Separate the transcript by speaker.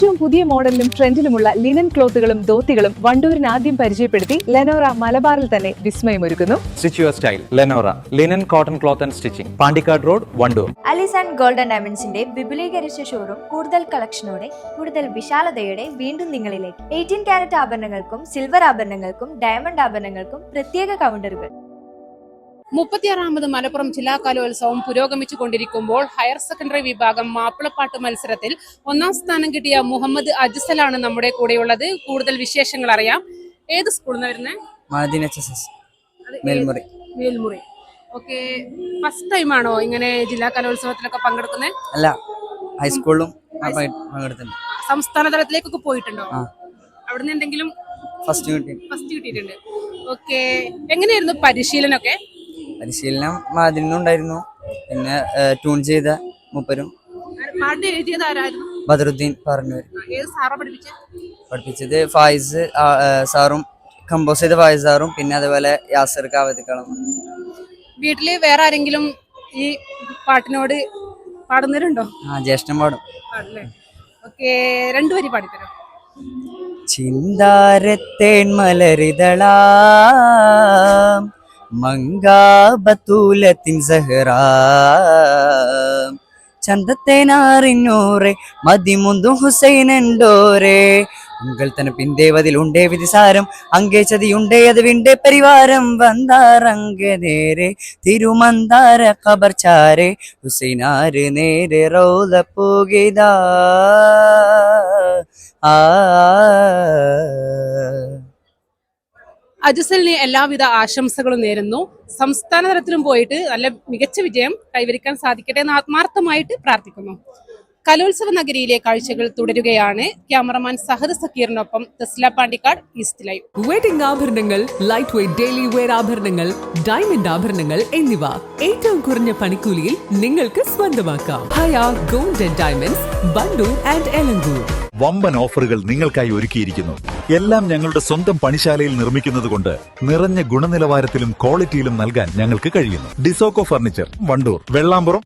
Speaker 1: ഏറ്റവും പുതിയ മോഡലിലും ട്രെൻഡിലുമുള്ള ലിനൻ ക്ലോത്തുകളും ധോത്തികളും വണ്ടൂരിന് ആദ്യം പരിചയപ്പെടുത്തി ലെനോറ മലബാറിൽ തന്നെ വിസ്മയമൊരുക്കുന്നു.
Speaker 2: Stitch your style. Lenora. Linen, cotton cloth and stitching. Pandikkad road, Wandoor.
Speaker 3: അലിസ് ആൻഡ് ഗോൾഡൻ ഡയമണ്ട്സിന്റെ വിപുലീകരിച്ച ഷോറൂം കൂടുതൽ കളക്ഷനോടെ കൂടുതൽ വിശാലതയോടെ വീണ്ടും നിങ്ങളിലേക്ക്. 18 കാരറ്റ് ആഭരണങ്ങൾക്കും സിൽവർ ആഭരണങ്ങൾക്കും ഡയമണ്ട് ആഭരണങ്ങൾക്കും പ്രത്യേക കൗണ്ടറുകൾ.
Speaker 4: 36ാമത് മലപ്പുറം ജില്ലാ കലോത്സവം പുരോഗമിച്ചു കൊണ്ടിരിക്കുമ്പോൾ ഹയർ സെക്കൻഡറി വിഭാഗം മാപ്പിളപ്പാട്ട് മത്സരത്തിൽ 1ാം സ്ഥാനം കിട്ടിയ മുഹമ്മദ് അജ്സലാണ് നമ്മുടെ കൂടെയുള്ളത്. കൂടുതൽ വിശേഷങ്ങൾ അറിയാം. ഏത് സ്കൂളിൽ നിന്ന് വരുന്നത്? മേൽമുറി. ഓക്കെ, ഫസ്റ്റ് ടൈം ആണോ ഇങ്ങനെ ജില്ലാ കലോത്സവത്തിലൊക്കെ പങ്കെടുക്കുന്നത്?
Speaker 5: അല്ല, ഹൈസ്കൂളിലും പങ്കെടുത്തിട്ടുണ്ട്.
Speaker 4: സംസ്ഥാന തലത്തിലേക്കൊക്കെ പോയിട്ടുണ്ടോ? അവിടുന്ന് എന്തെങ്കിലും
Speaker 5: ഫസ്റ്റ്
Speaker 4: കിട്ടിയിട്ടുണ്ട്. ഓക്കെ, എങ്ങനെയായിരുന്നു പരിശീലനമൊക്കെ?
Speaker 5: പരിശീലനം മാതിരിന്നുണ്ടായിരുന്നു. പിന്നെ ട്യൂൺ ചെയ്ത മൂപ്പരും.
Speaker 4: പാട്ട് എഴുതിയത് ആരായിരുന്നു?
Speaker 5: ബദറുദ്ദീൻ പറഞ്ഞു.
Speaker 4: ഏത് സാറാ
Speaker 5: പഠിപ്പിച്ചത് ഫായിസ് സാറും, കമ്പോസ് ചെയ്ത ഫായിസ് സാറും, പിന്നെ അതുപോലെ യാസർ കാവത്തിക്കളം.
Speaker 4: വീട്ടില് വേറെ ആരെങ്കിലും ഈ പാട്ടിനോട് പാടുന്നവരുണ്ടോ?
Speaker 5: ജ്യേഷ്ഠൻ പാടും.
Speaker 4: ഓക്കെ, രണ്ടുപേരും പാടിത്തരാം.
Speaker 5: ചിന്താരത്തേൻ മലരിതളാ മങ്കാബത്തൂലത്തിൻ സഹറാ ചന്തത്തേനാറിഞ്ഞോറെ മതിമുന്തും ഹുസൈനുണ്ടോരെ ഉങ്കൾ തന്നെ പിന്തേവതിലുണ്ടേ വിധിസാരം അങ്കേ ചതിയുണ്ടേ അത് വിണ്ടേ പരിവാരം വന്താറങ്ക നേരെ തിരുമന്താര ഖബർചാരെ ഹുസൈനാര് നേരെ റൗദ പോകിതാ
Speaker 4: അജ്സലിന് എല്ലാവിധ ആശംസകളും നേരുന്നു. സംസ്ഥാന തലത്തിലും പോയിട്ട് നല്ല മികച്ച വിജയം കൈവരിക്കാൻ സാധിക്കട്ടെ എന്ന് ആത്മാർത്ഥമായിട്ട് പ്രാർത്ഥിക്കുന്നു. കലോത്സവ നഗരിയിലെ കാഴ്ചകൾ തുടരുകയാണ്. ക്യാമറമാൻ സഹദ് സക്കീറിനൊപ്പം Thasla Pandikkad, east live.
Speaker 6: Wedding ആഭരണങ്ങൾ, ലൈറ്റ് വെയ്റ്റ് ഡെയിലി വെയർ ആഭരണങ്ങൾ, ഡയമണ്ട് ആഭരണങ്ങൾ എന്നിവ ഏറ്റവും കുറഞ്ഞ പണിക്കൂലിയിൽ നിങ്ങൾക്ക് സ്വന്തമാക്കാം. Haya gold and diamonds, Wandoor and Elankur.
Speaker 7: വമ്പൻ ഓഫറുകൾ നിങ്ങൾക്കായി ഒരുക്കിയിരിക്കുന്നു. എല്ലാം ഞങ്ങളുടെ സ്വന്തം പണിശാലയിൽ നിർമ്മിക്കുന്നത് കൊണ്ട് നിറഞ്ഞ ഗുണനിലവാരത്തിലും ക്വാളിറ്റിയിലും നൽകാൻ ഞങ്ങൾക്ക് കഴിയുന്നു. ഡിസോക്കോ ഫർണിച്ചർ, വണ്ടൂർ, വെള്ളാമ്പുറം,